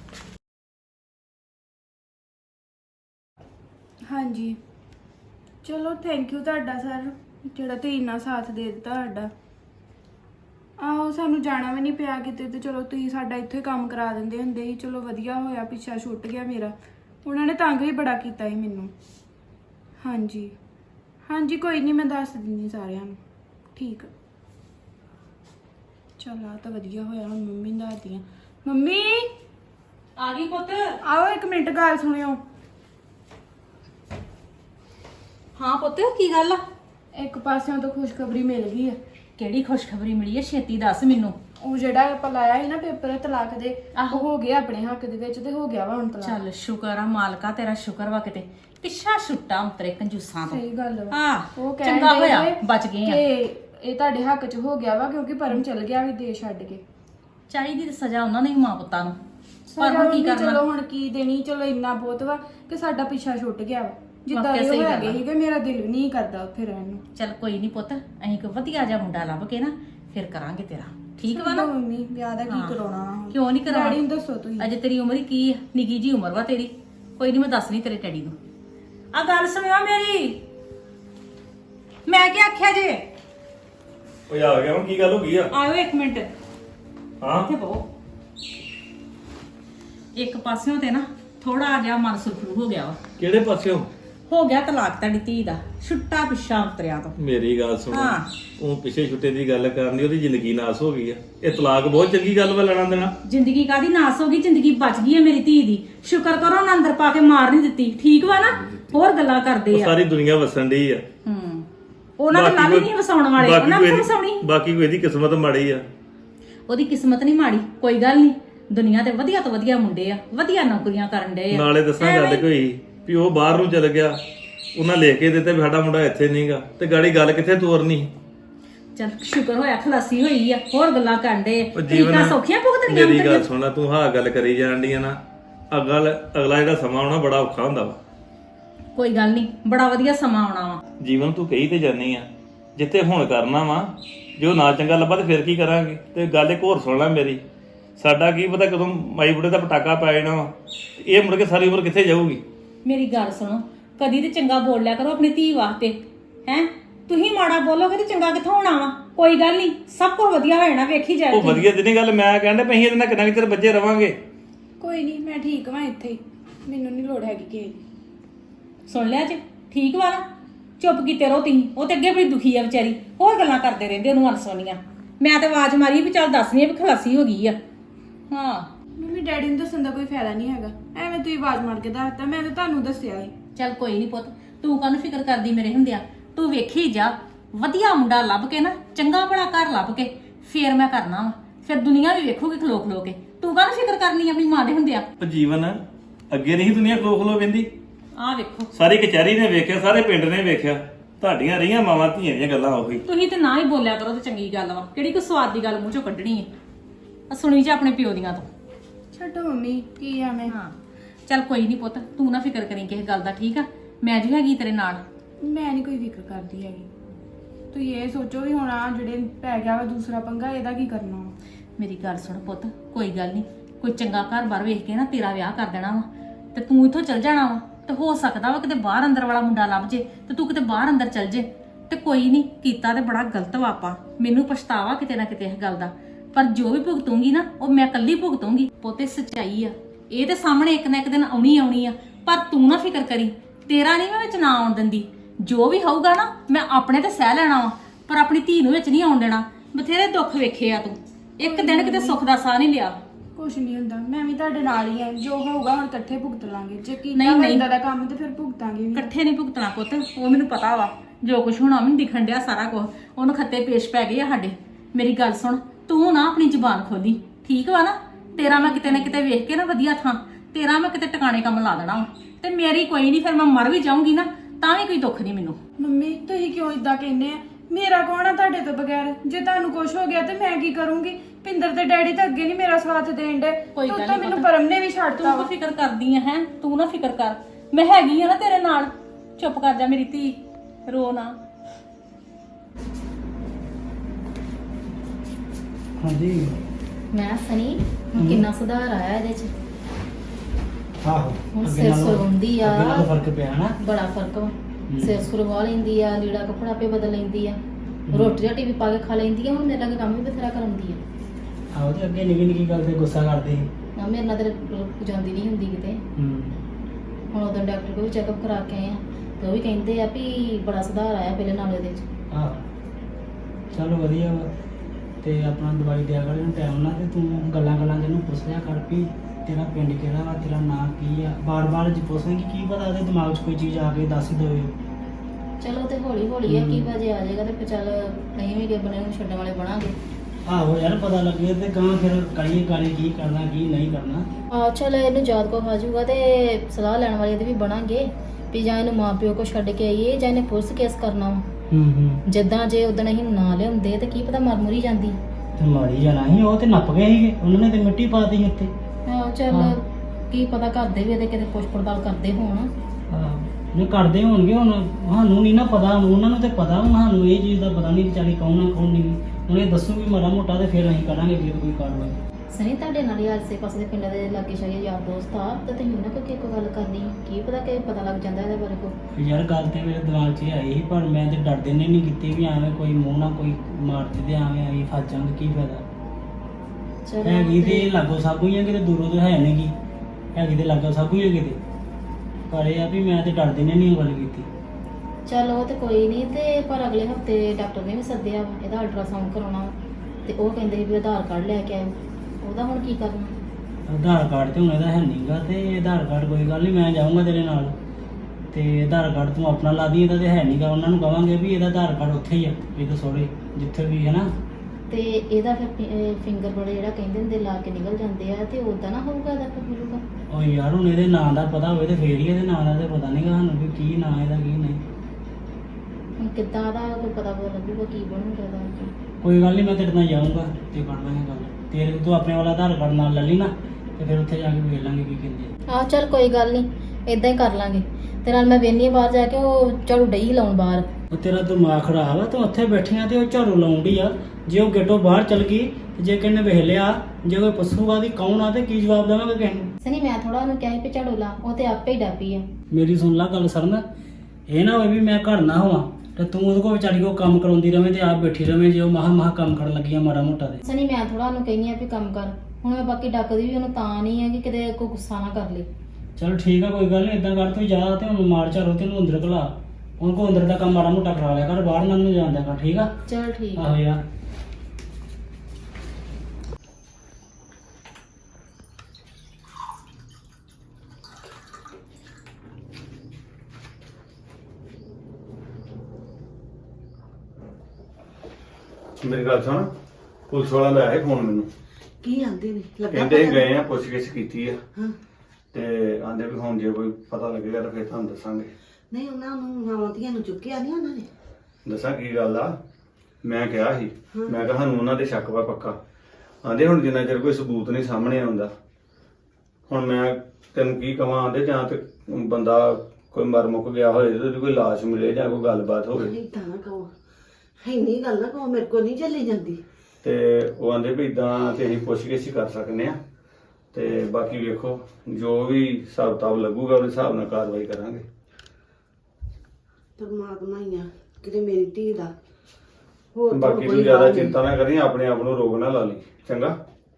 S6: ਹਾਂਜੀ ਚਲੋ ਥੈਂਕ ਯੂ ਤੁਹਾਡਾ ਸਰ, ਜਿਹੜਾ ਤੁਸੀਂ ਇੰਨਾ ਸਾਥ ਦੇ ਦਿੱਤਾ ਸਾਡਾ। ਆਹੋ ਸਾਨੂੰ ਜਾਣਾ ਵੀ ਨਹੀਂ ਪਿਆ ਕਿਤੇ, ਤੇ ਚਲੋ ਤੁਸੀਂ ਸਾਡਾ ਇੱਥੇ ਕੰਮ ਕਰਾ ਦਿੰਦੇ ਹੁੰਦੇ ਸੀ। ਚਲੋ ਵਧੀਆ ਹੋਇਆ, ਪਿੱਛਾ ਛੁੱਟ ਗਿਆ ਮੇਰਾ। ਉਹਨਾਂ ਨੇ ਤੰਗ ਵੀ ਬੜਾ ਕੀਤਾ ਸੀ ਮੈਨੂੰ। ਹਾਂਜੀ ਹਾਂਜੀ ਕੋਈ ਨਹੀਂ, ਮੈਂ ਦੱਸ ਦਿੰਦੀ ਸਾਰਿਆਂ ਨੂੰ। ਠੀਕ ਆ, ਚਲ ਆ ਤਾਂ ਵਧੀਆ ਹੋਇਆ, ਹੁਣ ਮੰਮੀ ਨੂੰ ਦੱਸਦੀ ਆ। ਮੰਮੀ
S2: ਆ ਗਈ ਪੁੱਤ?
S6: ਆਓ ਇੱਕ ਮਿੰਟ ਗੱਲ ਸੁਣਿਓ।
S2: ਹਾਂ ਪੁੱਤ ਕੀ ਗੱਲ ਆ?
S6: ਇੱਕ ਪਾਸਿਓਂ ਤਾਂ ਖੁਸ਼ਖਬਰੀ ਮਿਲ ਗਈ ਆ।
S2: ਕਿਹੜੀ ਖੁਸ਼ਖਬਰੀ ਮਿਲੀ ਹੈ? ਛੇਤੀ ਦੱਸ ਮੈਨੂੰ।
S6: ਉਹ ਜਿਹੜਾ ਆਪਾਂ ਲਾਇਆ ਸੀ ਨਾ ਪੇਪਰ ਤਲਾਕ ਦੇ,
S2: ਆਹੋ।
S6: ਉਹ ਹੋ ਗਿਆ ਆਪਣੇ ਹੱਕ ਦੇ ਵਿੱਚ, ਤੇ ਹੋ ਗਿਆ ਵਾ ਹੁਣ ਤਲਾਕ।
S2: ਚੱਲ ਸ਼ੁਕਰ ਆ ਮਾਲਕਾ ਤੇਰਾ, ਸ਼ੁਕਰ ਵਾ ਕਿਤੇ ਪਿੱਛਾ ਛੁੱਟਾ ਉਤਰੇ ਕੰਜੂਸਾਂ ਤੋਂ।
S6: ਸਹੀ ਗੱਲ ਵਾ।
S2: ਹਾਂ
S6: ਉਹ ਕਹਿਣ
S2: ਚੰਗਾ
S6: ਡਏ
S2: ਹੋਇਆ
S6: ਵੇ
S2: ਬਚ ਗਏ ਆ।
S6: ਕਿ ਇਹ ਤੁਹਾਡੇ ਹੱਕ 'ਚ ਹੋ ਗਿਆ ਵਾ, ਕਿਉਂਕਿ ਪਰਮ ਚਲ ਗਿਆ ਵੀ ਦੇਸ਼ ਛੱਡ ਕੇ।
S2: ਚਾਹੀਦੀ ਤੇ ਸਜ਼ਾ ਉਹਨਾਂ ਨੇ ਹੀ ਮਾਂ ਪੁੱਤਾਂ ਨੂੰ, ਪਰ
S6: ਸਜ਼ਾ
S2: ਹੁਣ ਕੀ
S6: ਉਹਨੇ
S2: ਕਰਨਾ?
S6: ਚਲੋ ਹੁਣ ਕੀ ਦੇਣੀ, ਚਲੋ ਇੰਨਾ ਬਹੁਤ ਵਾ ਕਿ ਸਾਡਾ ਪਿੱਛਾ ਛੁੱਟ ਗਿਆ ਵਾ। ਜਿੱਦਾਂ
S2: ਵਾਕਿਆ
S6: ਇਹ
S2: ਸਹੀ
S6: ਹੋਇਆ
S2: ਗੱਲ ਆ।
S6: ਗਏ ਸੀਗੇ, ਮੇਰਾ ਦਿਲ ਵੀ ਨਹੀਂ ਕਰਦਾ ਉੱਥੇ ਰਹਿਣ ਨੂੰ।
S2: ਚੱਲ ਕੋਈ ਨਹੀਂ ਪੁੱਤ, ਅਸੀਂ ਕੋਈ ਵਧੀਆ ਜਿਹਾ ਮੁੰਡਾ ਲੱਭ ਕੇ ਨਾ ਫਿਰ ਕਰਾਂਗੇ ਤੇਰਾ, ਠੀਕ ਵਾ ਨਾ?
S6: ਚਲੋ ਮੰਮੀ ਵਿਆਹ ਦਾ ਕੀ
S2: ਹਾਂ।
S6: ਕਰਾਉਣਾ ਵਾ ਹੁਣ?
S2: ਕਿਉਂ ਨਹੀਂ ਕਰਾਉਣਾ?
S6: ਡੈਡੀ ਨੂੰ ਦੱਸੋ ਤੁਸੀਂ।
S2: ਅਜੇ ਤੇਰੀ ਉਮਰ ਹੀ ਕੀ ਆ, ਨਿੱਕੀ ਜੀ ਉਮਰ ਵਾ ਤੇਰੀ। ਕੋਈ ਨਹੀਂ ਮੈਂ ਦੱਸਣੀ ਤੇਰੇ ਡੈਡੀ ਨੂੰ। ਆ ਗੱਲ ਸੁਣਿਓ ਮੇਰੀ, ਮੈਂ ਕੀ ਆਖਿਆ ਜੇ?
S4: ਉਹ ਆ ਗਿਆ, ਹੁਣ ਕੀ ਗੱਲ ਹੋ ਗਈ ਆ?
S2: ਆਇਓ ਇੱਕ ਮਿੰਟ
S4: ਹਾਂ
S2: ਇੱਥੇ ਬਹੋ। ਇੱਕ ਪਾਸਿਓਂ ਤੇ ਨਾ ਥੋੜਾ ਜਿਹਾ ਮਨ ਸੁਰਖਰੂ ਹੋ ਗਿਆ ਵਾ।
S4: ਕਿਹੜੇ ਪਾਸਿਓਂ?
S2: ਹੋ ਗਿਆ ਤਲਾਕ ਤੁਹਾਡੀ ਧੀ ਦਾ, ਛੁੱਟਾ ਪਿੱਛਾ ਉਤਰਿਆ ਤੋਂ।
S4: ਮੇਰੀ ਗੱਲ ਸੁਣ,
S2: ਹਾਂ।
S4: ਉਹ ਪਿੱਛੇ ਛੁੱਟੇ ਦੀ ਗੱਲ ਕਰਨੀ, ਉਹਦੀ ਜ਼ਿੰਦਗੀ ਨਾਸ ਹੋ ਗਈ ਆ। ਇਹ ਤਲਾਕ ਬਹੁਤ ਚੰਗੀ ਗੱਲ ਵਾ ਲੈਣਾ ਦੇਣਾ।
S2: ਜ਼ਿੰਦਗੀ ਕਾਦੀ ਨਾਸ ਹੋ ਗਈ? ਜ਼ਿੰਦਗੀ ਬਚ ਗਈ ਹੈ ਮੇਰੀ ਧੀ ਦੀ, ਸ਼ੁਕਰ ਕਰੋ ਨਾ ਅੰਦਰ ਪਾ ਕੇ ਮਾਰ ਨਹੀਂ ਦਿੱਤੀ, ਠੀਕ ਵਾ ਨਾ? ਹੋਰ ਗੱਲਾਂ ਕਰਦੇ
S4: ਉਹ
S2: ਆ।
S4: ਸਾਰੀ ਦੁਨੀਆ ਵਸਣ ਡਈ ਆ।
S2: ਹੂੰ ਉਹਨਾਂ ਦੇ
S4: ਬਾਕੀ
S2: ਨਾਲ ਹੀ
S4: ਕੋਈ-
S2: ਨਹੀਂ ਵਸਾਉਣ ਵਾਲੇ,
S4: ਬਾਕੀ
S2: ਉਹਨਾਂ
S4: ਕੋਈ
S2: ਨੂੰ
S4: ਇਹਦੀ-
S2: ਵਸਾਉਣੀ।
S4: ਬਾਕੀ ਕੋਈ ਇਹਦੀ ਕਿਸਮਤ ਮਾੜੀ ਆ।
S2: ਉਹਦੀ ਕਿਸਮਤ ਨਹੀਂ ਮਾੜੀ, ਕੋਈ ਗੱਲ ਨਹੀਂ। ਦੁਨੀਆ ਤੇ ਵਧੀਆ ਤੋਂ ਵਧੀਆ ਮੁੰਡੇ ਆ, ਵਧੀਆ ਨੌਕਰੀਆਂ ਕਰਨ ਡਏ ਆ।
S4: ਨਾਲੇ ਦੱਸਾਂ ਗੱਲ
S2: ਐਵੇਂ-
S4: ਕੋਈ ਵੀ ਉਹ ਬਾਹਰ ਨੂੰ ਚਲ ਗਿਆ, ਉਹਨਾਂ ਲਿਖ ਕੇ ਦਿੱਤੇ ਵੀ ਸਾਡਾ ਮੁੰਡਾ ਇੱਥੇ ਨਹੀਂਗਾ, ਤੇ ਗਾੜੀ ਗੱਲ ਕਿੱਥੇ ਤੋਰਨੀ?
S2: ਚੱਲ ਸ਼ੁਕਰ ਹੋਇਆ ਖਲਾਸੀ ਹੋਈ ਆ, ਹੋਰ ਗੱਲਾਂ ਕਰਨ ਡਏ ਆ।
S4: ਉਹ ਜੀਵਨ
S2: ਤਰੀਕਾਂ ਸੌਖੀਆਂ ਭੁਗਤਣੀਆਂ
S4: ਮੇਰੀ ਗੱਲ
S2: ਹੁੰਦੀਆਂ।
S4: ਸੁਣ ਲੈ, ਤੂੰ ਹਾਂ ਗੱਲ ਕਰੀ ਜਾਣ ਡਈ ਆ ਨਾ, ਅਗਲ ਅਗਲਾ ਜਿਹੜਾ ਸਮਾਂ ਆਉਣਾ ਬੜਾ ਔਖਾ ਹੁੰਦਾ ਵਾ।
S2: ਕੋਈ ਗੱਲ ਨਹੀਂ, ਬੜਾ ਵਧੀਆ ਸਮਾਂ ਆਉਣਾ ਵਾ।
S4: ਜੀਵਨ ਤੂੰ ਕਹੀ ਤੇ ਜਾਨੀ ਆ, ਜਿੱਥੇ ਹੁਣ ਕਰਨਾ ਵਾ, ਜੇ ਉਹ ਨਾ ਚੰਗਾ ਲੱਭਾ ਤੇ ਫਿਰ ਕੀ ਕਰਾਂਗੇ? ਤੇ ਗੱਲ ਇੱਕ ਹੋਰ ਸੁਣ ਲੈ ਮੇਰੀ, ਸਾਡਾ ਕੀ ਪਤਾ ਕਦੋਂ ਮਾਈ ਬੁੱਢੇ ਦਾ ਪਟਾਕਾ ਪੈ ਜਾਣਾ ਵਾ, ਇਹ ਮੁੜ ਕੇ ਸਾਰੀ ਉਮਰ ਕਿੱਥੇ ਜਾਊਗੀ?
S2: ਮੇਰੀ ਗੱਲ ਸੁਣੋ, ਕਦੀ ਤੇ ਚੰਗਾ ਬੋਲ ਲਿਆ ਕਰੋ ਆਪਣੀ ਧੀ ਵਾਸਤੇ, ਹੈ? ਤੁਸੀਂ ਮਾੜਾ ਬੋਲੋਗੇ ਤੇ ਚੰਗਾ ਕਿੱਥੋਂ ਹੋਣਾ ਵਾ? ਕੋਈ ਗੱਲ ਨਹੀਂ, ਸਭ ਕੁਝ ਵਧੀਆ ਹੋ ਜਾਣਾ, ਵੇਖੀ
S4: ਉਹ
S2: ਜਾਏਗੀ।
S4: ਵਧੀਆ ਦੀ ਨਹੀਂ ਗੱਲ, ਮੈਂ ਕਹਿੰਦਾ ਪਈ ਇਹਦੇ ਨਾਲ ਕਿੰਨਾ ਕੁ ਚਿਰ ਬੱਚੇ ਰਵਾਂਗੇ।
S6: ਕੋਈ ਨਹੀਂ, ਮੈਂ ਠੀਕ ਵਾਂ ਇੱਥੇ ਹੀ, ਮੈਨੂੰ ਨਹੀਂ ਲੋੜ ਹੈਗੀ ਕਿਸੇ ਦੀ।
S2: ਸੁਣ ਲਿਆ ਜੀ, ਠੀਕ ਵਾ ਨਾ? ਚੁੱਪ ਕੀਤੇ ਰਹੋ ਤੁਸੀਂ। ਉਹ ਤੇ ਅੱਗੇ ਬੜੀ ਦੁਖੀ ਆ ਵਿਚਾਰੀ, ਹੋਰ ਗੱਲਾਂ ਕਰਦੇ ਰਹਿੰਦੇ ਉਹਨੂੰ ਅਨਸੋਨੀਆਂ। ਮੈਂ ਤੇ ਆਵਾਜ਼ ਮਾਰੀ ਵੀ ਚੱਲ ਦੱਸਣੀ ਆ ਵੀ ਖਲਾਸੀ ਹੋ ਗਈ ਆ। ਹਾਂ
S6: ਮੰਮੀ ਡੈਡੀ ਨੂੰ ਦੱਸਣ ਦਾ ਕੋਈ ਫਾਇਦਾ ਨਹੀਂ ਹੈਗਾ, ਐਵੇਂ ਤੁਸੀਂ ਆਵਾਜ਼ ਮਾਰ ਕੇ ਦੱਸਤਾ, ਮੈਂ ਤਾਂ ਤੁਹਾਨੂੰ ਦੱਸਿਆ ਸੀ।
S2: ਚੱਲ ਕੋਈ ਨਹੀਂ ਪੁੱਤ, ਤੂੰ ਕਾਹਨੂੰ ਫਿਕਰ ਕਰਦੀ ਮੇਰੇ ਹੁੰਦਿਆ? ਤੂੰ ਵੇਖੀ ਜਾ, ਵਧੀਆ ਮੁੰਡਾ ਲੱਭ ਕੇ ਨਾ, ਚੰਗਾ ਭਲਾ ਘਰ ਲੱਭ ਕੇ ਫੇਰ ਮੈਂ ਕਰਨਾ ਵਾ, ਫਿਰ ਦੁਨੀਆ ਵੀ ਵੇਖੂਗੀ ਖਲੋ ਖਲੋ ਕੇ। ਤੂੰ ਕਾਹਨੂੰ ਫਿਕਰ ਕਰਨੀ ਆਪਣੀ ਮਾਂ ਦੇ ਹੁੰਦਿਆ?
S4: ਉਹ ਜੀਵਨ ਅੱਗੇ ਨਹੀਂ ਦੁਨੀਆ ਖਲੋ ਖਲੋ ਵਹਿੰਦੀ,
S2: ਆਹ ਵੇਖੋ,
S4: ਸਾਰੀ ਕਚਹਿਰੀ ਨੇ ਵੇਖਿਆ, ਸਾਰੇ ਪਿੰਡ ਨੇ ਵੇਖਿਆ, ਤੁਹਾਡੀਆਂ ਰਹੀਆਂ ਮਾਵਾਂ ਧੀਆਂ ਦੀਆਂ ਗੱਲਾਂ ਉਹੀ।
S2: ਤੁਸੀਂ ਤੇ ਨਾ ਹੀ ਬੋਲਿਆ ਕਰੋ ਤੇ ਚੰਗੀ ਗੱਲ ਵਾ। ਕਿਹੜੀ ਕੋ ਸਵਾਦ ਦੀ ਗੱਲ ਮੂੰਹ ਚੋਂ ਕੱਢਣੀ ਹੈ? ਆ ਸੁਣੀ ਜਾ ਆਪਣੇ ਪਿਓ ਦੀਆਂ ਤੋਂ।
S6: ਛੱਡੋ ਮੰਮੀ, ਕੀ ਆ ਮੈਂ।
S2: ਹਾਂ ਚੱਲ ਕੋਈ ਨਹੀਂ ਪੁੱਤ, ਤੂੰ ਨਾ ਫਿਕਰ ਕਰੀ ਕਿਸੇ ਗੱਲ ਦਾ, ਠੀਕ ਆ? ਮੈਂ ਜੀ ਹੈਗੀ ਤੇਰੇ ਨਾਲ।
S6: ਮੈਂ ਨਹੀਂ ਕੋਈ ਫਿਕਰ ਕਰਦੀ ਹੈਗੀ। ਤੁਸੀਂ ਇਹ ਸੋਚੋ ਵੀ ਹੁਣ ਆ ਜਿਹੜੇ ਪੈ ਗਿਆ ਵਾ ਦੂਸਰਾ ਪੰਗਾ, ਇਹਦਾ ਕੀ ਕਰਨਾ ਵਾ?
S2: ਮੇਰੀ ਗੱਲ ਸੁਣ ਪੁੱਤ, ਕੋਈ ਗੱਲ ਨਹੀਂ, ਕੋਈ ਚੰਗਾ ਘਰ-ਬਾਰ ਵੇਖ ਕੇ ਨਾ ਤੇਰਾ ਵਿਆਹ ਕਰ ਦੇਣਾ ਵਾ ਤੇ ਤੂੰ ਇੱਥੋਂ ਚਲ ਜਾਣਾ ਵਾ। ਤੇ ਹੋ ਸਕਦਾ ਵਾ ਕਿਤੇ ਬਾਹਰ ਅੰਦਰ ਵਾਲਾ ਮੁੰਡਾ ਲੱਭ ਜੇ ਤੇ ਤੂੰ ਕਿਤੇ ਬਾਹਰ ਅੰਦਰ ਚਲ ਜੇ। ਤੇ ਕੋਈ ਨਹੀਂ, ਕੀਤਾ ਤੇ ਬੜਾ ਗਲਤ ਵਾ ਆਪਾਂ, ਮੈਨੂੰ ਪਛਤਾਵਾ ਕਿਤੇ ਨਾ ਕਿਤੇ ਇਸ ਗੱਲ ਦਾ, ਪਰ ਜੋ ਵੀ ਭੁਗਤੂੰਗੀ ਨਾ ਉਹ ਮੈਂ ਇਕੱਲੀ ਭੁਗਤੂੰਗੀ। ਪੋਤੇ ਸੱਚਾਈ ਆ, ਇਹ ਤੇ ਸਾਹਮਣੇ ਇੱਕ ਨਾ ਇੱਕ ਦਿਨ ਆਉਣੀ ਆਉਣੀ ਆ, ਪਰ ਤੂੰ ਨਾ ਫਿਕਰ ਕਰੀ, ਤੇਰਾ ਨਹੀਂ ਮੈਂ ਵਿੱਚ ਨਾ ਆਉਣ ਦਿੰਦੀ। ਜੋ ਵੀ ਹੋਊਗਾ ਨਾ ਮੈਂ ਆਪਣੇ ਤੇ ਸਹਿ ਲੈਣਾ ਵਾ, ਪਰ ਆਪਣੀ ਧੀ ਨੂੰ ਵਿੱਚ ਨਹੀਂ ਆਉਣ ਦੇਣਾ। ਬਥੇਰੇ ਦੁੱਖ ਵੇਖੇ ਆ ਤੂੰ, ਇੱਕ ਦਿਨ ਕਿਤੇ ਸੁੱਖ ਦਾ ਸਾਹ ਨਹੀਂ ਲਿਆ।
S6: ਕੁਛ ਨਹੀਂ ਹੁੰਦਾ, ਮੈਂ ਵੀ ਤੁਹਾਡੇ ਨਾਲ ਹੀ ਆ। ਜੋ ਹੋਊਗਾ ਹੁਣ ਇਕੱਠੇ ਭੁਗਤ ਲਾਂਗੇ। ਜੇ ਕੀ
S2: ਨਹੀਂ, ਨਹੀਂ।
S6: ਇਦਾਂ ਦਾ ਕੰਮ ਤੇ ਫਿਰ ਭੁਗਤਾਂਗੇ ਵੀ।
S2: ਇਕੱਠੇ ਨਹੀਂ ਭੁਗਤਣਾ ਪੁੱਤ, ਉਹ ਮੈਨੂੰ ਪਤਾ ਵਾ ਜੋ ਕੁਝ ਹੋਣਾ ਮੈਨੂੰ ਦਿਖਣ ਡਿਆ ਸਾਰਾ ਕੁਝ। ਉਹਨੂੰ ਖੱਤੇ ਪੇਸ਼ ਪੈ ਗਏ ਆ ਸਾਡੇ। ਮੇਰੀ ਗੱਲ ਸੁਣ, ਤੂੰ ਨਾ ਆਪਣੀ ਜ਼ੁਬਾਨ ਖੋਲੀ, ਠੀਕ ਵਾ ਨਾ? ਤੇਰਾ ਮੈਂ ਕਿਤੇ ਨਾ ਕਿਤੇ ਵੇਖ ਕੇ ਨਾ ਵਧੀਆ ਥਾਂ ਤੇਰਾ ਮੈਂ ਕਿਤੇ ਟਿਕਾਣੇ ਕੰਮ ਲਾ ਦੇਣਾ ਵਾ, ਤੇ ਮੇਰੀ ਕੋਈ ਨਹੀਂ, ਫਿਰ ਮੈਂ ਮਰ ਵੀ ਜਾਊਂਗੀ ਨਾ ਤਾਂ ਵੀ ਕੋਈ ਦੁੱਖ ਨਹੀਂ ਮੈਨੂੰ।
S6: ਮੰਮੀ ਤੁਸੀਂ ਕਿਉਂ ਇਦਾਂ ਕਹਿੰਦੇ ਆ? ਮੇਰਾ ਕੌਣ ਆ ਤੁਹਾਡੇ ਤੋਂ ਬਗੈਰ? ਜੇ ਤੁਹਾਨੂੰ ਕੁਝ ਹੋ ਗਿਆ ਤੇ ਮੈਂ ਕੀ ਕਰੂੰਗੀ? ਪਿੰਦਰ ਤੇ ਡੈਡੀ ਤਾਂ ਅੱਗੇ ਨਹੀਂ ਮੇਰਾ ਸਾਥ ਦੇਣ ਦੇ।
S2: ਕੋਈ ਗੱਲ
S6: ਤਾਂ
S2: ਨਹੀਂ
S6: ਮੈਨੂੰ
S2: ਪੁੱਤ।
S6: ਪਰਮ ਨੇ ਵੀ ਛੱਡਤਾ
S2: ਤੂੰ
S6: ਵਾ।
S2: ਤਾਂ ਫਿਕਰ ਕਰਦੀ ਆ ਹੈ, ਤੂੰ ਨਾ ਫਿਕਰ ਕਰ, ਮੈਂ ਹੈਗੀ ਆ ਨਾ ਤੇਰੇ ਨਾਲ। ਚੁੱਪ ਕਰ ਜਾ ਮੇਰੀ ਧੀ, ਰੋ ਨਾ।
S5: ਹਾਂਜੀ
S7: ਮੈਂ ਸਨੀ ਹੁਣ ਕਿੰਨਾ ਸੁਧਾਰ ਆਇਆ ਇਹਦੇ ਚ।
S5: ਆਹੋ
S7: ਹੁਣ ਸਿਰ ਸੁਰਵੰਦੀ ਆ,
S5: ਅੱਗੇ ਨਾਲੋਂ ਫਰਕ ਪਿਆ ਨਾ।
S7: ਬੜਾ ਫਰਕ ਵਾ। ਸਿਰ ਸੁਰਵਾ ਲੈਂਦੀ ਆ, ਲੀੜਾ ਕੱਪੜਾ ਆਪੇ ਬਦਲ ਲੈਂਦੀ ਆ, ਰੋਟੀ ਰਾਟੀ ਵੀ ਪਾ ਕੇ ਖਾ ਲੈਂਦੀ ਆ। ਹੁਣ ਮੇਰੇ ਨਾਲ ਕੰਮ ਵੀ ਬਥੇਰਾ ਕਰਾਉਂਦੀ ਆ।
S5: ਆਹੋ ਤੇ ਅੱਗੇ ਨਿੱਕੀ ਨਿੱਕੀ ਗੱਲ ਤੇ ਗੁੱਸਾ ਕਰਦੇ ਸੀ।
S7: ਨਾ ਮੇਰੇ ਨਾਲ ਤੇ ਜਾਂਦੀ ਨਹੀਂ ਹੁੰਦੀ ਕਿਤੇ।
S5: ਹੂੰ
S7: ਹੁਣ ਉਦੋਂ ਡਾਕਟਰ ਕੋਲ ਚੈੱਕਅਪ ਕਰਾ ਕੇ ਆਏ ਆ ਤੇ ਉਹ ਵੀ ਕਹਿੰਦੇ ਆ ਵੀ ਬੜਾ ਸੁਧਾਰ ਆਇਆ ਪਹਿਲੇ ਨਾਲੋਂ ਇਹਦੇ ਚ।
S5: ਆਹ ਚਲੋ ਵਧੀਆ ਵਾ। ਤੇ ਆਪਣਾ ਦਵਾਈ ਦਿਆ ਕਰ ਇਹਨੂੰ ਟਾਈਮ ਨਾਲ, ਤੇ ਤੂੰ ਗੱਲਾਂ ਗੱਲਾਂ ਜਿਹਨੂੰ ਪੁੱਛ ਲਿਆ ਕਰ ਵੀ ਤੇਰਾ ਪਿੰਡ ਕਿਹੜਾ ਵਾ, ਤੇਰਾ ਨਾਂ ਕੀ ਆ। ਬਾਰ-ਬਾਰ ਜੇ ਪੁੱਛਾਂਗੀ ਕੀ ਪਤਾ ਉਹਦੇ ਦਿਮਾਗ 'ਚ ਕੋਈ ਚੀਜ਼ ਆ ਕੇ ਦੱਸ ਹੀ ਦੇਵੇ।
S7: ਚਲੋ ਤੇ ਹੌਲੀ ਹੌਲੀ ਆ, ਕੀ ਵਜੇ ਆ ਜਾਏਗਾ ਤੇ ਫਿਰ ਚੱਲ ਨਹੀਂ ਵੀ ਕਿ ਬਣੇ ਨੂੰ ਛੱਡਣ ਵਾਲੇ ਬਣਾਂਗੇ।
S5: ਆਹੋ ਯਾਰ ਪਤਾ ਲੱਗੇ ਤੇ ਗਾਂ ਫਿਰ ਕਰੀਏ ਗਾਣੇ ਕੀ ਕਰਨਾ ਕੀ ਨਹੀਂ ਕਰਨਾ।
S7: ਆ ਚਲ ਇਹਨੂੰ ਯਾਦ ਕੋ ਆ ਜਾਊਗਾ ਤੇ ਸਲਾਹ ਲੈਣ ਵਾਲੇ ਤੇ ਵੀ ਬਣਾਂਗੇ ਵੀ ਜਾਂ ਇਹਨੂੰ ਮਾਂ ਪਿਓ ਕੋ ਛੱਡ ਕੇ ਆਈਏ ਜਾਂ ਇਹਨੇ ਪੁਲਿਸ ਕੇਸ ਕਰਨਾ ਵਾ।
S5: ਹੂੰ ਹੂੰ
S7: ਜਿੱਦਾਂ ਜੇ ਉਦੋਂ ਅਸੀਂ ਨਾ ਲਿਆਉਂਦੇ ਤੇ ਕੀ ਪਤਾ ਮਰ ਮੁਰੀ ਜਾਂਦੀ।
S5: ਤੇ ਮਾਰੀ ਜਾਣਾ ਸੀ, ਉਹ ਤੇ ਨੱਪ ਗਏ ਸੀਗੇ, ਉਹਨਾਂ ਨੇ ਤੇ ਮਿੱਟੀ ਪਾਤੀ ਉੱਤੇ।
S7: ਆਹ ਚੱਲ
S5: ਹਾਂ।
S7: ਕੀ ਪਤਾ ਕਰਦੇ ਵੀ ਇਹਦੇ ਕਿਤੇ ਪੁੱਛ ਪੜਤਾਲ ਕਰਦੇ ਹੋਣ।
S5: ਆਹ ਜੇ ਕਰਦੇ ਹੋਣਗੇ ਹੁਣ ਸਾਨੂੰ ਨਹੀਂ ਨਾ ਪਤਾ, ਉਹਨਾਂ ਨੂੰ ਤੇ ਪਤਾ ਹੁਣ, ਸਾਨੂੰ ਇਹ ਚੀਜ਼ ਦਾ ਪਤਾ ਨਹੀਂ ਵਿਚਾਰੀ ਕੌਣ ਆ ਕੌਣ ਨਹੀਂ। ਹੁਣ ਇਹ ਦੱਸੂਗੀ ਮਾੜਾ ਮੋਟਾ ਤੇ ਫਿਰ ਅਸੀਂ ਕਰਾਂਗੇ ਜੇ ਕੋਈ ਕਾਰਵਾਈ।
S7: ਸਨੀ ਤੁਹਾਡੇ ਨਾਲ ਹੀ ਆਸੇ ਪਾਸੇ ਦੇ ਪਿੰਡਾਂ ਦੇ ਲਾਗੇ ਸ਼ਾਗੇ ਯਾਰ ਦੋਸਤ ਆ ਤੇ ਤੁਸੀਂ ਉਹਨਾਂ ਕੋਲ ਕੀ ਕੋਈ ਗੱਲ ਕਰਨੀ, ਕੀ ਪਤਾ ਕਿ ਪਤਾ ਲੱਗ ਜਾਂਦਾ ਇਹਦੇ ਬਾਰੇ ਕੋ।
S5: ਯਾਰ ਗੱਲ ਤੇ ਮੇਰੇ ਦਿਮਾਗ 'ਚ ਆਈ ਸੀ, ਪਰ ਮੈਂ ਤੇ ਡਰਦੇ ਨੇ ਨਹੀਂ ਕੀਤੀ ਵੀ ਐਵੇਂ ਕੋਈ ਮੂੰਹ ਨਾ ਕੋਈ ਮਾਰ ਦੇ ਤੇ ਐਵੇਂ ਅਸੀਂ ਫਸ ਜਾਵਾਂਗੇ, ਕੀ ਫਾਇਦਾ।
S7: ਚਲੋ
S5: ਹੈਗੀ ਤੇ
S7: ਤੇ-
S5: ਲਾਗੋ ਸਾਗੂ ਹੀ ਆ, ਕਿਤੇ ਦੂਰੋਂ ਤੇ ਹੈ ਨਹੀਂ ਗੀ, ਹੈਗੀ ਤੇ ਲਾਗੋ ਸਾਗੂ ਹੀ ਆ ਕਿਤੇ। ਪਰ ਇਹ ਆ ਵੀ ਮੈਂ ਤੇ ਡਰਦੇ ਨੇ ਨਹੀਂ ਗੱਲ ਕੀਤੀ।
S7: ਚਲੋ ਤੇ ਕੋਈ ਨਹੀਂ, ਤੇ ਪਰ ਅਗਲੇ ਹਫਤੇ ਡਾਕਟਰ ਨੇ ਵੀ ਸੱਦਿਆ ਵਾ, ਇਹਦਾ ਅਲਟਰਾਸਾਊਂਡ ਕਰਾਉਣਾ ਵਾ, ਤੇ ਉਹ ਕਹਿੰਦੇ ਸੀ ਵੀ ਆਧਾਰ ਕਾਰਡ ਲੈ ਕੇ ਆਇਓ। ਉਹਦਾ ਹੁਣ ਕੀ ਕਰਨਾ?
S5: ਆਧਾਰ ਕਾਰਡ ਤੇ ਹੁਣ ਇਹਦਾ ਹੈ ਨਹੀਂਗਾ, ਤੇ ਆਧਾਰ ਕਾਰਡ ਕੋਈ ਗੱਲ ਨਹੀਂ ਮੈਂ ਜਾਊਂਗਾ ਤੇਰੇ ਨਾਲ। ਤੇ ਆਧਾਰ ਕਾਰਡ ਤੂੰ ਆਪਣਾ ਲਾ ਦੀ, ਇਹਦਾ ਤੇ ਹੈ ਨਹੀਂਗਾ। ਉਹਨਾਂ ਨੂੰ ਕਵਾਂਗੇ ਵੀ ਇਹਦਾ ਆਧਾਰ ਕਾਰਡ ਉੱਥੇ ਹੀ ਆ, ਇਹਦੇ ਸੋੜੇ ਜਿੱਥੇ ਵੀ ਹੈ ਨਾ।
S7: ਤੇ ਇਹਦਾ ਫਿਰ ਫਿੰਗਰ ਬੜੇ ਜਿਹੜਾ ਕਹਿੰਦੇ ਹੁੰਦੇ ਲਾ ਕੇ ਨਿਕਲ ਜਾਂਦੇ ਆ, ਤੇ ਉਦਾਂ ਨਾ ਹੋਊਗਾ ਇਹਦਾ ਫਿਰ ਮਿਲੂਗਾ।
S5: ਉਹ ਯਾਰ ਹੁਣ ਇਹਦੇ ਨਾਂ ਦਾ ਪਤਾ ਹੋਵੇ ਤੇ ਫੇਰ ਹੀ, ਇਹਦੇ ਨਾਂ ਦਾ ਤੇ ਪਤਾ ਨਹੀਂਗਾ ਸਾਨੂੰ ਵੀ ਕੀ ਨਾਂ ਇਹਦਾ ਕੀ ਨਹੀਂ।
S7: ਹੁਣ ਕਿੱਦਾਂ ਦਾ ਕੋਈ ਪਤਾ ਪਤਾ ਲੱਗੂਗਾ ਕੀ ਬਣੂਗਾ ਇਹਦਾ।
S5: ਕੋਈ ਗੱਲ ਨਹੀਂ, ਮੈਂ ਤੇਰੇ ਨਾਲ ਜਾਊਂਗਾ ਤੇ ਕਰ ਲਾਂਗੇ ਗੱਲ। ਤੇਰੇ ਤੂੰ ਆਪਣੇ ਵਾਲਾ ਆਧਾਰ ਕਾਰਡ ਨਾਲ ਲੈ ਲਈ ਨਾ, ਤੇ ਫਿਰ ਉੱਥੇ ਜਾ ਕੇ ਵੇਖ ਲਾਂਗੇ ਕੀ ਕਹਿੰਦੇ ਆ।
S7: ਆਹ ਚੱਲ ਕੋਈ ਗੱਲ ਨਹੀਂ, ਇਦਾਂ ਹੀ ਕਰ ਲਾਂਗੇ। ਤੇ ਨਾਲ ਮੈਂ ਵੇਖਨੀ ਬਾਹਰ ਜਾ ਕੇ ਉਹ ਝਾੜੂ ਡਈ ਲਾਉਣ ਬਾਹਰ।
S5: ਉਹ ਤੇਰਾ ਦਿਮਾਗ ਖਰਾਬ ਆ, ਤੂੰ ਉੱਥੇ ਬੈਠੀਆਂ ਤੇ ਉਹ ਝਾੜੂ ਲਾਉਂਦੀ ਆ। ਜੇ ਉਹ ਗੇਟੋਂ ਬਾਹਰ ਚਲ ਗਈ ਤੇ ਜੇ ਕਿੰਨੇ ਵੇਖ ਲਿਆ, ਜੇ ਕੋਈ ਪੁੱਛੂਗਾ ਵੀ ਕੌਣ ਆ ਤੇ ਕੀ ਜਵਾਬ ਦੇਵਾਂਗੇ ਕਿਸੇ ਨੂੰ।
S7: ਸਨੀ ਮੈਂ ਥੋੜਾ ਉਹਨੂੰ ਕਿਹਾ ਸੀ ਵੀ ਝਾੜੂ ਲਾ, ਉਹ ਤੇ ਆਪੇ ਹੀ ਡਾਪੀ ਆ।
S5: ਮੇਰੀ ਸੁਣ ਲੈ ਗੱਲ ਸਰਨ, ਇਹ ਨਾ ਹੋਵੇ ਵੀ ਮੈਂ ਘਰ ਨਾ ਹੋਵਾਂ ਤੇ ਤੂੰ ਉਹਦੇ ਕੋਲ ਵਿਚਾਰੀ ਕੋ ਕੰਮ ਕਰਾਉਂਦੀ ਰਵੇਂ ਤੇ ਆਪ ਬੈਠੀ ਰਵੇਂ, ਜੇ ਉਹ ਮਹਾ ਮਹਾ ਕੰਮ ਕਰਨ ਲੱਗੀ ਆ ਮਾੜਾ ਮੋਟਾ ਤੇ।
S7: ਸਨੀ ਮੈਂ ਥੋੜਾ ਉਹਨੂੰ ਕਹਿੰਦੀ ਆ ਵੀ ਕੰਮ ਕਰ। ਹੁਣ ਮੈਂ ਬਾਕੀ ਡੱਕਦੀ ਵੀ ਉਹਨੂੰ ਤਾਂ ਨਹੀਂ ਹੈ ਕਿ ਕਿਤੇ ਕੋਈ ਗੁੱਸਾ ਨਾ ਕਰ ਲੇ।
S5: ਚਲ ਠੀਕ ਆ, ਕੋਈ ਗੱਲ ਨਹੀਂ, ਇਦਾਂ ਕਰ ਤੂੰ ਜਾ ਤੇ ਉਹਨੂੰ ਮਾਰ ਝਾੜੋ ਤੇ ਉਹਨੂੰ ਅੰਦਰ ਘਲਾ। ਉਹਨੂੰ ਕੋ ਅੰਦਰ ਦਾ ਕੰਮ ਮਾੜਾ ਮੋਟਾ ਕਰਾ ਲਿਆ ਕਰ, ਬਾਹਰ ਨਾ ਨੂੰ ਜਾਂਦਾ ਕਰ, ਠੀਕ ਆ?
S7: ਚਲ ਠੀਕ ਆ।
S5: ਆਹੋ ਯਾਰ।
S8: ਮੇਰੀ ਗੱਲ ਸੁਣ, ਪੁਲਿਸ ਵਾਲਾ ਲੈ ਆਏ ਫੋਨ ਮੈਨੂੰ।
S9: ਕੀ ਆਂਦੇ ਨੇ? ਲੱਗਾ
S8: ਕਹਿੰਦੇ
S9: ਪਤਾ?
S8: ਗਏ ਆ, ਪੁੱਛ ਗਿੱਛ ਕੀਤੀ ਆ,
S9: ਹਾਂ।
S8: ਤੇ ਆਂਦੇ ਵੀ ਹੁਣ ਜੇ ਕੋਈ ਪਤਾ ਲੱਗੇਗਾ ਤਾਂ ਫਿਰ ਤੁਹਾਨੂੰ ਦੱਸਾਂਗੇ।
S9: ਨਹੀਂ ਉਹਨਾਂ ਨੂੰ ਮਾਵਾਂ ਨੂੰ ਚੁੱਕਿਆ ਨਹੀਂ ਉਹਨਾਂ ਨੇ?
S8: ਦੱਸਾਂ ਕੀ ਗੱਲ ਆ, ਮੈਂ ਕਿਹਾ ਸੀ, ਮੈਂ ਕਿਹਾ ਸਾਨੂੰ ਉਹਨਾਂ ਦੇ ਸ਼ੱਕ ਵਾ ਪੱਕਾ। ਆਂਦੇ ਹੁਣ ਜਿੰਨਾ ਚਿਰ ਕੋਈ ਸਬੂਤ ਨਹੀਂ ਸਾਹਮਣੇ ਆਉਂਦਾ ਹੁਣ ਮੈਂ ਤੈਨੂੰ ਕੀ ਕਵਾਂ ਆਂਦੇ ਜਾਂ ਤੇ ਬੰਦਾ ਕੋਈ ਮਰ ਮੁੱਕ ਗਿਆ ਹੋਏ ਤੇ ਉਹਦੀ ਕੋਈ ਲਾਸ਼ ਮਿਲੇ ਜਾਂ ਕੋਈ ਗੱਲਬਾਤ ਹੋਵੇ
S9: ਇਦਾਂ ਨਾ ਕਹੋ, ਇੰਨੀ ਗੱਲ ਨਾ ਕਹੋ, ਮੇਰੇ ਕੋਲ ਨਹੀਂ ਚੱਲੀ ਜਾਂਦੀ।
S8: ਤੇ ਉਹ ਆਂਦੇ ਵੀ ਇਦਾਂ ਤੇ ਅਸੀਂ ਪੁੱਛ ਗਿੱਛ ਕਰ ਸਕਨੇ ਆ ਤੇ ਬਾਕੀ ਵੇਖੋ ਜੋ ਵੀ ਹਿਸਾਬ ਕਿਤਾਬ ਲੱਗੂਗਾ ਉਹਦੇ ਹਿਸਾਬ ਨਾਲ ਕਾਰਵਾਈ ਕਰਾਂਗੇ।
S9: ਪਰਮਾਤਮਾ ਹੀ ਆ ਕਿਤੇ ਮੇਰੀ ਧੀ ਦਾ ਹੋਰ ਤਾਂ
S8: ਬਾਕੀ
S9: ਕੋਈ
S8: ਤੂੰ ਜ਼ਿਆਦਾ
S9: ਹਾਲ ਨਹੀਂ।
S8: ਚਿੰਤਾ ਨਾ ਕਰੀ, ਆਪਣੇ ਆਪ ਨੂੰ ਰੋਗ ਨਾ ਲਾ ਲਈ, ਚੰਗਾ।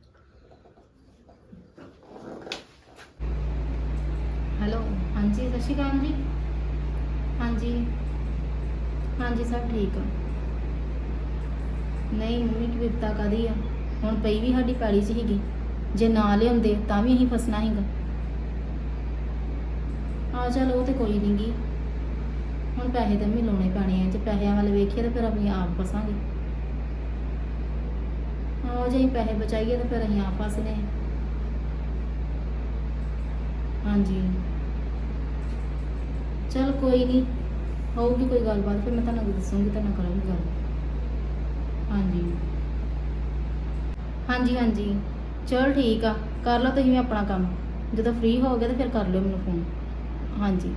S7: ਹੈਲੋ, ਹਾਂਜੀ ਸਤਿ ਸ਼੍ਰੀ ਅਕਾਲ ਜੀ। ਹਾਂਜੀ ਹਾਂਜੀ ਸਭ ਠੀਕ ਆ। ਨਹੀਂ ਮੰਮੀ ਕੀ ਵਿਪਤਾ ਕਾਹਦੀ ਆ, ਹੁਣ ਪਈ ਵੀ ਸਾਡੀ ਪੈਲੀ 'ਚ ਹੀਗੀ, ਜੇ ਨਾ ਲਿਆਉਂਦੇ ਤਾਂ ਵੀ ਅਸੀਂ ਫਸਣਾ ਸੀਗਾ। ਆ ਚਲ ਉਹ ਤੇ ਕੋਈ ਨਹੀਂ ਗੀ, ਹੁਣ ਪੈਸੇ ਤਾਂ ਵੀ ਲਾਉਣੇ ਪੈਣੇ ਆ, ਜੇ ਪੈਸਿਆਂ ਵੱਲ ਵੇਖੀਏ ਤਾਂ ਫਿਰ ਅਸੀਂ ਆਪ ਫਸਾਂਗੇ। ਹਾਂ ਜੇ ਅਸੀਂ ਪੈਸੇ ਬਚਾਈਏ ਤਾਂ ਫਿਰ ਅਸੀਂ ਆਪ ਫਸਨੇ ਆ। ਹਾਂਜੀ ਚਲ ਕੋਈ ਨਹੀਂ, ਹੋਊਗੀ ਕੋਈ ਗੱਲਬਾਤ ਫਿਰ ਮੈਂ ਤੁਹਾਨੂੰ ਦੱਸੂਗੀ, ਤੁਹਾਨੂੰ ਕਰਾਂਗੀ ਗੱਲ। ਹਾਂਜੀ ਹਾਂਜੀ ਹਾਂਜੀ ਚਲ ਠੀਕ ਆ, ਕਰ ਲਓ ਤੁਸੀਂ ਵੀ ਆਪਣਾ ਕੰਮ, ਜਦੋਂ ਫ੍ਰੀ ਹੋਗੇ ਤਾਂ ਫਿਰ ਕਰ ਲਿਓ ਮੈਨੂੰ ਫੋਨ। ਹਾਂਜੀ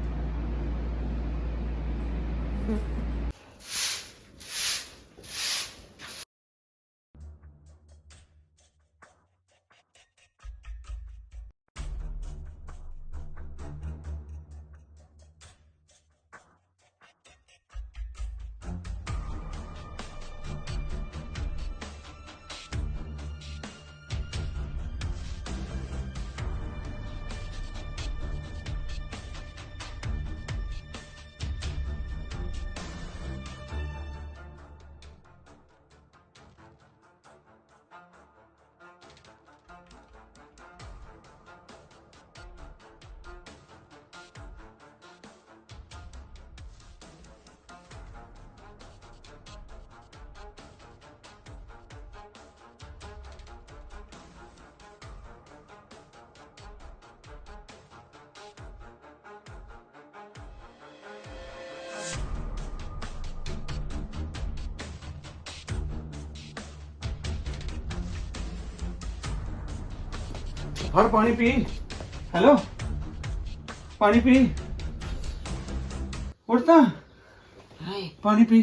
S1: ਫੜ ਪਾਣੀ ਪੀ। ਹੈਲੋ ਪਾਣੀ ਪੀ, ਉੱਠ ਤਾਂ
S9: ਹਾਏ
S1: ਪਾਣੀ ਪੀ।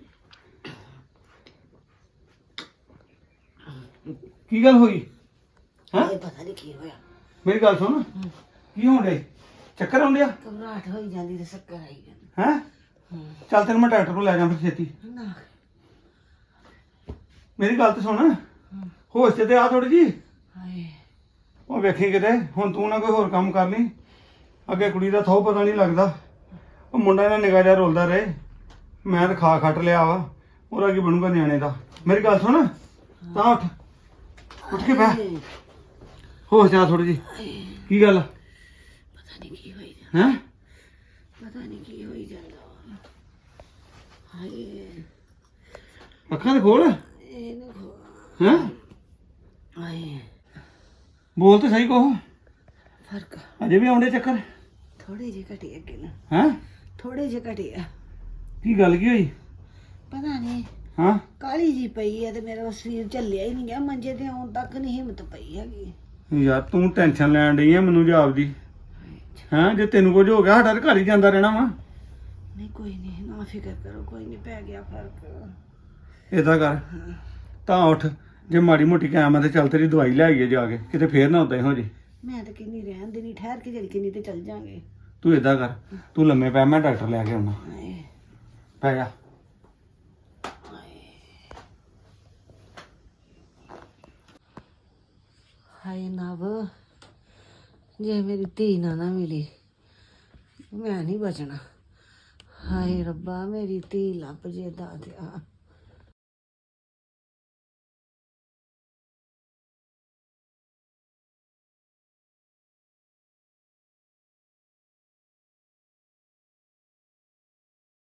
S1: ਕੀ ਗੱਲ ਹੋਈ ਹੈ?
S9: ਇਹ ਪਤਾ ਨਹੀਂ ਕੀ ਹੋਇਆ,
S1: ਮੇਰੀ ਗੱਲ ਸੁਣ, ਕੀ ਹੋਣ ਡਿਆ? ਚੱਕਰ ਆਉਂਦੇ ਆ
S9: ਘਬਰਾਹਟ ਹੋਈ ਜਾਂਦੀ ਤੇ ਚੱਕਰ ਆਈ ਜਾਂਦੇ।
S1: ਹੈ? ਚੱਲ ਤੈਨੂੰ ਮੈਂ ਡਾਕਟਰ ਕੋਲ ਲੈ ਜਾਵਾਂ ਫਿਰ ਛੇਤੀ।
S9: ਨਾ
S1: ਮੇਰੀ ਗੱਲ ਤਾਂ ਸੁਣ, ਹੋਸ਼ ਤੇ ਆ ਥੋੜੀ ਜੀ।
S9: ਹਾਏ
S1: ਉਹ ਵੇਖੀ ਕਿਤੇ ਹੁਣ ਤੂੰ ਨਾ ਕੋਈ ਹੋਰ ਕੰਮ ਕਰ ਲਈ, ਅੱਗੇ ਕੁੜੀ ਦਾ ਥੋ ਪਤਾ ਨਹੀਂ ਲੱਗਦਾ। ਉਹ ਮੁੰਡਾ ਇਹਨਾਂ ਨਿਗਾਹ ਜਿਹਾ ਰੋਲਦਾ ਰਹੇ, ਮੈਂ ਤਾਂ ਖਾ ਖੱਟ ਲਿਆ ਵਾ, ਉਹਦਾ ਕੀ ਬਣੂਗਾ ਨਿਆਣੇ ਦਾ। ਮੇਰੀ ਗੱਲ ਸੁਣ, ਤਾਂ ਉੱਠ ਉੱਠ ਕੇ ਬਹਿ, ਹੋਸ਼ ਜਾ ਥੋੜੀ ਜੀ। ਕੀ ਗੱਲ
S9: ਪਤਾ ਨਹੀਂ ਕੀ ਹੋਈ ਜਾਂਦਾ,
S1: ਹੈ?
S9: ਪਤਾ ਨਹੀਂ ਕੀ ਹੋਈ ਜਾਂਦਾ। ਹਾਏ
S1: ਅੱਖਾਂ ਤੇ ਖੋਲ।
S9: ਇਹ ਨਾ ਖੋ
S1: ਹੈ?
S9: ਹਾਏ
S1: ਬੋਲ ਤੇ ਸਹੀ ਕਹੋ,
S9: ਫਰਕ
S1: ਅਜੇ ਵੀ ਆਉਂਦੇ ਚੱਕਰ?
S9: ਥੋੜੇ ਜਿਹੇ ਘਟੇ ਅੱਗੇ ਨਾ,
S1: ਹੈ?
S9: ਥੋੜੇ ਜਿਹੇ ਘਟੇ ਆ।
S1: ਕੀ ਗੱਲ ਕੀ ਹੋਈ?
S9: ਪਤਾ ਨਹੀਂ
S1: ਹਾਂ
S9: ਕਾਲੀ ਜੀ ਪਈ ਆ ਤੇ ਮੇਰਾ ਸਰੀਰ ਝੱਲਿਆ ਹੀ ਨਹੀਂ ਗਿਆ, ਮੰਜੇ ਤੇ ਆਉਣ ਤੱਕ ਨਹੀਂ ਹਿੰਮਤ ਪਈ ਹੈਗੀ।
S1: ਯਾਰ ਤੂੰ ਟੈਨਸ਼ਨ ਲੈਣ ਡਈ ਆ ਮੈਨੂੰ ਜਾਪਦੀ। ਹਾਂ ਜੇ ਤੈਨੂੰ ਕੁਝ ਹੋ ਗਿਆ ਸਾਡਾ ਤਾਂ ਘਰ ਹੀ ਜਾਂਦਾ ਰਹਿਣਾ ਵਾ।
S9: ਨਹੀਂ ਕੋਈ ਨਹੀਂ, ਨਾ ਫਿਕਰ ਕਰੋ, ਕੋਈ ਨਹੀਂ, ਪੈ ਗਿਆ ਫਰਕ।
S1: ਏਦਾਂ ਕਰ, ਤਾਂ ਉੱਠ, ਜੇ ਮਾੜੀ ਮੋਟੀ ਕਾਇਮ ਆ ਤੇ ਚੱਲ ਤੇਰੀ ਦਵਾਈ ਲੈ ਆਈਏ ਜਾ ਕੇ, ਕਿਤੇ ਫੇਰ ਨਾ ਉਦਾਂ ਹੀ ਹੋ ਜੇ।
S9: ਮੈਂ ਤਾਂ ਕਿੰਨੀ ਰਹਿਣ ਦੇਣੀ, ਠਹਿਰ ਕੇ ਜਿਹੜੀ ਕਿੰਨੀ ਤੇ ਚੱਲ ਜਾਾਂਗੇ।
S1: ਤੂੰ ਏਦਾਂ ਕਰ, ਤੂੰ ਲੰਮੇ ਪੈ, ਮੈਂ ਡਾਕਟਰ ਲੈ ਕੇ ਆਉਣਾ।
S9: ਹਾਏ
S1: ਪੈ ਜਾ।
S9: ਹਾਏ ਨਵ, ਜੇ ਮੇਰੀ ਧੀ ਨਾ ਨਾ ਮਿਲੀ ਮੈਂ ਨਹੀਂ ਬਚਣਾ। ਹਾਏ ਰੱਬਾ ਮੇਰੀ ਧੀ ਲੱਭ ਜੇ ਦਾਤਿਆ।